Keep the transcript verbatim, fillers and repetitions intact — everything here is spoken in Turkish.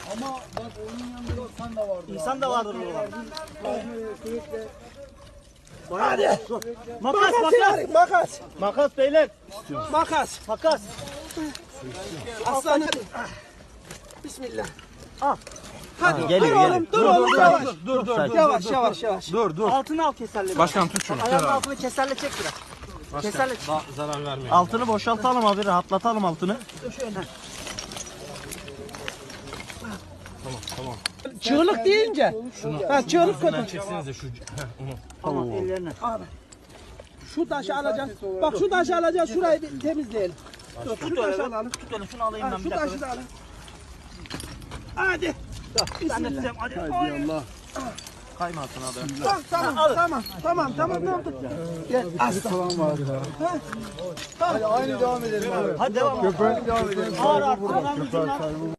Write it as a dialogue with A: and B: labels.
A: Ama bak onun yanında insan da vardı.
B: İnsan da vardır burada.
A: Sürekli.
B: Hadi. Makas,
C: Makas,
B: makas.
C: makas.
B: Makas beyler.
C: Makas.
B: Makas.
C: Aslanım. Bismillah.
B: Al.
C: Hadi
D: geliyor,
C: dur oğlum, dur oğlum yavaş.
B: Dur, dur, dur.
C: Yavaş, yavaş, yavaş.
D: Dur dur.
B: Altını al keserle.
D: Başkan tut şunu.
B: Ayağının altını keserle çek biraz. Keserle çek.
D: Daha zarar vermeyin.
B: Altını boşaltalım abi, rahatlatalım altını.
C: Çığlık deyince. Ha çığlık kötü.
D: Çeksenize şu. Heh, onu.
B: Tamam, ellerine.
C: Abi. Şu taşı alacağız. Bak şu taşı alacağız. Şurayı bir temizleyelim. Dur, şu taşı alalım.
B: Tut öyle, şunu alayım ben
C: Ha,
B: bir
C: şu
B: dakika.
C: taşı da alın. Hadi.
B: Ben de tutayım, hadi.
A: Hadi Allah.
B: Kaymasın abi.
C: Tamam, tamam, tamam, tamam, tamam, tamam. Gel.
A: Falan var. Hadi aynı devam edelim abi.
B: Hadi devam.
A: Böyle devam edelim.
B: Ağır ağır. Ağır ağır.